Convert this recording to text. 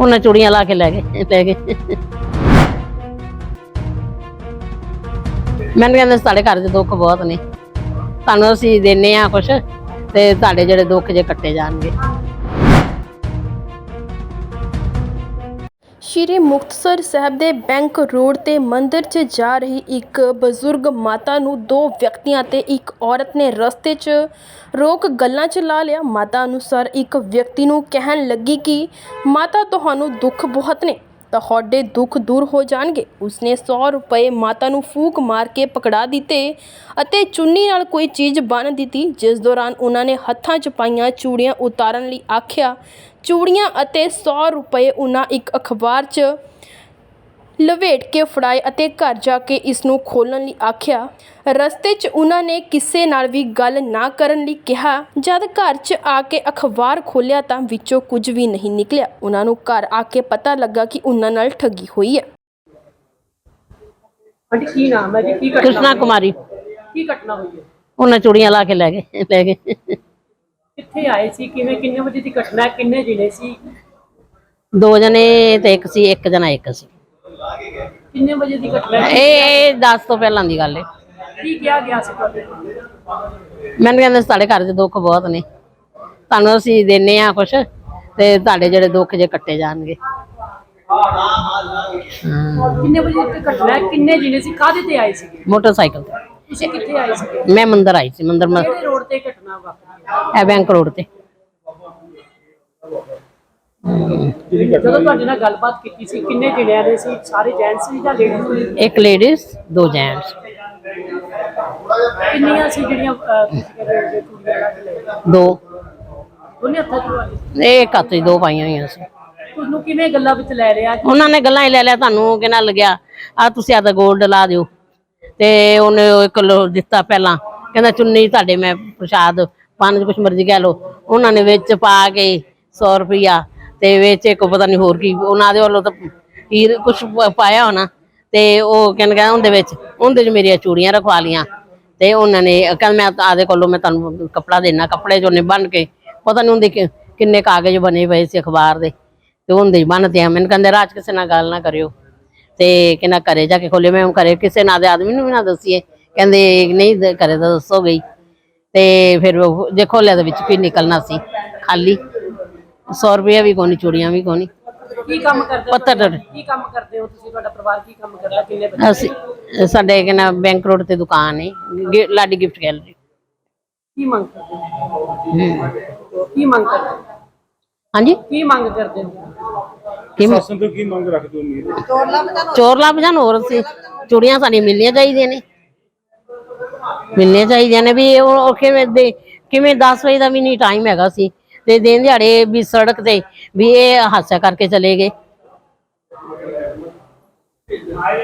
उन्हें चूड़ियां ला के लै गए मैंने कहते साढ़े घर च दुख बहुत ने तुहानूं असीं देने आ कुछ ते तुहाडे जिहड़े दुख जे कट्टे जाणगे। ਸ਼੍ਰੀ ਮੁਕਤਸਰ ਸਾਹਿਬ ਦੇ ਬੈਂਕ ਰੋਡ ਤੇ ਮੰਦਿਰ 'ਚ ਜਾ ਰਹੀ ਇੱਕ ਬਜ਼ੁਰਗ ਮਾਤਾ ਨੂੰ ਦੋ ਵਿਅਕਤੀਆਂ ਤੇ ਇੱਕ ਔਰਤ ਨੇ ਰਸਤੇ 'ਚ ਰੋਕ ਗੱਲਾਂ 'ਚ ਲਾ ਲਿਆ। ਮਾਤਾ ਅਨੁਸਾਰ ਇੱਕ ਵਿਅਕਤੀ ਨੂੰ ਕਹਿਣ ਲੱਗੀ ਕਿ ਮਾਤਾ ਤੁਹਾਨੂੰ ਦੁੱਖ ਬਹੁਤ ਨੇ, ਤੁਹਾਡੇ ਦੁੱਖ ਦੂਰ ਹੋ ਜਾਣਗੇ। ਉਸਨੇ 100 ਰੁਪਏ ਮਾਤਾ ਨੂੰ ਫੂਕ ਮਾਰ ਕੇ ਪਕੜਾ ਦਿੱਤੇ ਅਤੇ ਚੁੰਨੀ ਨਾਲ ਕੋਈ ਚੀਜ਼ ਬੰਨ੍ਹ ਦਿੱਤੀ, ਜਿਸ ਦੌਰਾਨ ਉਹਨਾਂ ਨੇ ਹੱਥਾਂ 'ਚ ਪਾਈਆਂ ਚੂੜੀਆਂ ਉਤਾਰਨ ਲਈ ਆਖਿਆ। ਚੂੜੀਆਂ ਅਤੇ 100 ਰੁਪਏ ਉਹਨਾਂ ਇੱਕ ਅਖਬਾਰ 'ਚ ਲਵੇਟ ਕੇ ਫੜਾਏ ਅਤੇ ਘਰ ਜਾ ਕੇ ਇਸ ਨੂੰ ਖੋਲ੍ਹਣ ਲਈ ਆਖਿਆ। ਰਸਤੇ 'ਚ ਉਹਨਾਂ ਨੇ ਕਿਸੇ ਨਾਲ ਵੀ ਗੱਲ ਨਾ ਕਰਨ ਲਈ ਕਿਹਾ। ਜਦ ਘਰ 'ਚ ਆ ਕੇ ਅਖਬਾਰ ਖੋਲ੍ਹਿਆ ਤਾਂ ਵਿੱਚੋਂ ਕੁਝ ਵੀ ਨਹੀਂ ਨਿਕਲਿਆ। ਉਹਨਾਂ ਨੂੰ ਘਰ ਆ ਕੇ ਪਤਾ ਲੱਗਾ ਕਿ ਉਹਨਾਂ ਨਾਲ ਠੱਗੀ ਹੋਈ ਹੈ। ਕੀ ਨਾਮ ਹੈ ਜੀ? ਕੀ ਘਟਨਾ कृष्णा कुमारी ਕੀ ਘਟਨਾ ਹੋਈ ਹੈ? उन्हें चूड़ियां ला के लै गए ਕਿੱਥੇ ਆਏ ਸੀ? ਕਿਵੇਂ ਕਿੰਨੇ ਵਜੇ ਦੀ ਘਟਨਾ ਹੈ? ਕਿੰਨੇ ਜ਼ਿਲ੍ਹੇ ਸੀ? 2 जने ते एक जना एक सी। ਕਿੰਨੇ ਵਜੇ ਦੀ ਘਟਨਾ ਹੈ? ਇਹ 10 ਤੋਂ ਪਹਿਲਾਂ ਦੀ ਗੱਲ ਹੈ। ਕੀ ਕਿਹਾ ਗਿਆ ਸੀ ਤੁਹਾਡੇ? ਮੈਨੂੰ ਕਹਿੰਦੇ ਸਾਡੇ ਘਰ 'ਚ ਦੁੱਖ ਬਹੁਤ ਨੇ, ਤੁਹਾਨੂੰ ਅਸੀਂ ਦੇਣੇ ਆ ਕੁਛ ਤੇ ਤੁਹਾਡੇ ਜਿਹੜੇ ਦੁੱਖ ਜੇ ਕੱਟੇ ਜਾਣਗੇ। ਕਿੰਨੇ ਵਜੇ ਦੀ ਘਟਨਾ ਹੈ? ਕਿੰਨੇ ਜ਼ਿਲ੍ਹੇ ਸੀ? ਕਾਹਦੇ ਤੇ ਆਏ ਸੀਗੇ? ਮੋਟਰਸਾਈਕਲ ਤੇ ਤੁਸੀਂ ਕਿੱਥੇ ਆਏ ਸੀਗੇ? ਮੈਂ ਮੰਦਰ ਆਈ ਸੀ। ਮੰਦਰ ਕਿਹੜੇ ਰੋਡ ਤੇ ਘਟਨਾ ਵਾਪਰੀ? ਇਹ ਬੈਂਕ ਰੋਡ ਤੇ। ਜਦੋਂ ਤੁਹਾਡੇ ਨਾਲ ਗੱਲਬਾਤ ਕੀਤੀ ਸੀ ਕਿੰਨੇ ਜ਼ਿਲ੍ਹਿਆਂ ਦੇ ਸੀ? ਸਾਰੇ ਜੈਂਟਸ ਸੀ ਜਾਂ ਲੇਡੀਜ਼ ਸੀ? ਇੱਕ ਲੇਡੀਜ਼ 2 ਜੈਂਟਸ। ਕਿੰਨੀਆਂ ਸੀ ਜਿਹੜੀਆਂ ਤੁਸੀਂ ਕਹਿੰਦੇ ਹੋ ਕੁੜੀਆਂ ਲਾ ਕੇ ਲੈ ਗਏ? 2 ਉਹਨੇ ਹੱਥਾਂ ਚ ਇਹ ਇੱਕ ਹੱਥ 'ਚ 2 ਪਾਈਆਂ ਹੋਈਆਂ ਸੀ। ਤੁਹਾਨੂੰ ਕਿਵੇਂ ਗੱਲਾਂ ਵਿੱਚ ਲੈ ਲਿਆ? ਉਹਨਾਂ ਨੇ ਗੱਲਾਂ ਹੀ ਲੈ ਲਿਆ। ਤੁਹਾਨੂੰ ਕਿਹਨਾਂ ਲੱਗਿਆ ਆ ਤੁਸੀਂ ਆਦਾ ਗੋਲਡ ਲਾ ਦਿਓ ਤੇ ਉਹਨੇ 1 ਕਿਲੋ ਦਿੱਤਾ। ਪਹਿਲਾਂ ਕਹਿੰਦਾ ਚੁੰਨੀ ਤੁਹਾਡੇ ਮੈਂ ਪ੍ਰਸ਼ਾਦ ਪੰਜ ਕੁਛ ਮਰਜ਼ੀ ਕਹਿ ਲਓ। ਉਹਨਾਂ ਨੇ ਵਿੱਚ ਪਾ ਕੇ 100 ਰੁਪਇਆ ਤੇ ਵਿੱਚ ਇੱਕ ਪਤਾ ਨਹੀਂ ਹੋਰ ਕੀ ਉਹਨਾਂ ਦੇ ਵੱਲੋਂ ਤਾਂ ਹੀਰ ਕੁਛ ਪਾਇਆ ਹੋਣਾ ਤੇ ਉਹ ਕਹਿੰਦਾ ਉਹਦੇ 'ਚ ਮੇਰੀਆਂ ਚੂੜੀਆਂ ਰਖਵਾ ਲੀਆਂ ਤੇ ਉਹਨਾਂ ਨੇ ਕਹਿੰਦਾ ਮੈਂ ਆਦੇ ਕੋਲੋਂ ਮੈਂ ਤੁਹਾਨੂੰ ਕੱਪੜਾ ਦੇਣਾ। ਕੱਪੜੇ 'ਚ ਉਹਨੇ ਬੰਨ ਕੇ ਪਤਾ ਨਹੀਂ ਹੁੰਦੇ ਕਿੰਨੇ ਕਾਗਜ਼ ਬਣੇ ਪਏ ਸੀ ਅਖਬਾਰ ਦੇ ਤੇ ਉਹਦੇ ਬੰਨ੍ਹਤੇ ਆ। ਮੈਨੂੰ ਕਹਿੰਦੇ ਰਾਜ ਕਿਸੇ ਨਾਲ ਗੱਲ ਨਾ ਕਰਿਓ ਤੇ ਕਹਿੰਦਾ ਘਰੇ ਜਾ ਕੇ ਖੋਲੇ। ਮੈਂ ਘਰੇ ਕਿਸੇ ਨਾਲ ਦੇ ਆਦਮੀ ਨੂੰ ਵੀ ਨਾ ਦੱਸੀਏ। ਕਹਿੰਦੇ ਨਹੀਂ ਘਰੇ ਤਾਂ ਦੱਸੋ ਗਈ ਤੇ ਫਿਰ ਜੇ ਖੋਲਿਆ ਦੇ ਵਿੱਚ ਕੀ ਨਿਕਲਣਾ ਸੀ? ਖਾਲੀ 100 ਰੁਪਇਆ ਵੀ ਕੋਨੀ, ਚੂੜੀਆਂ ਵੀ ਕੋਨੀ। ਕੀ ਕੰਮ ਕਰਦੇ ਪੱਤਰ ਕੀ ਕੰਮ ਕਰਦੇ ਹੋ ਤੁਸੀਂ? ਤੁਹਾਡਾ ਪਰਿਵਾਰ ਕੀ ਕੰਮ ਕਰਦਾ? ਕਿੰਨੇ ਬੱਚੇ? ਅਸੀਂ ਸਾਡੇ ਕਹਿੰਦਾ ਬੈਂਕ ਰੋਡ ਤੇ ਦੁਕਾਨ ਹੈ ਲਾਡੀ ਗਿਫਟ ਗੈਲਰੀ। ਕੀ ਮੰਗ ਕਰਦੇ ਹੋ? ਕੀ ਮੰਗ ਕਰਦੇ ਹੋ? ਹਾਂਜੀ ਕੀ ਮੰਗ ਕਰਦੇ ਹੋ? ਪ੍ਰਸ਼ਾਸਨ ਤੋਂ ਕੀ ਮੰਗ ਰੱਖਦੇ ਹੋ? ਉਮੀਦ ਚੋਰ ਲੱਭ ਜਾਣ। ਹੋਰ ਅਸੀਂ ਚੂੜੀਆਂ ਸਾਡੀਆਂ ਮਿਲਣੀਆਂ ਚਾਹੀਦੀਆਂ ਨੇ, ਮਿਲਣੀਆਂ ਚਾਹੀਦੀਆਂ ਨੇ। ਵੀ ਉਹ ਕਿਵੇਂ 10 ਵਜੇ ਦਾ ਵੀ ਨਹੀਂ ਟਾਈਮ ਹੈਗਾ ਸੀ ਤੇ ਦਿਨ ਦਿਹਾੜੇ ਵੀ ਸੜਕ ਤੇ ਵੀ ਇਹ ਹਾਦਸਾ ਕਰਕੇ ਚਲੇ ਗਏ।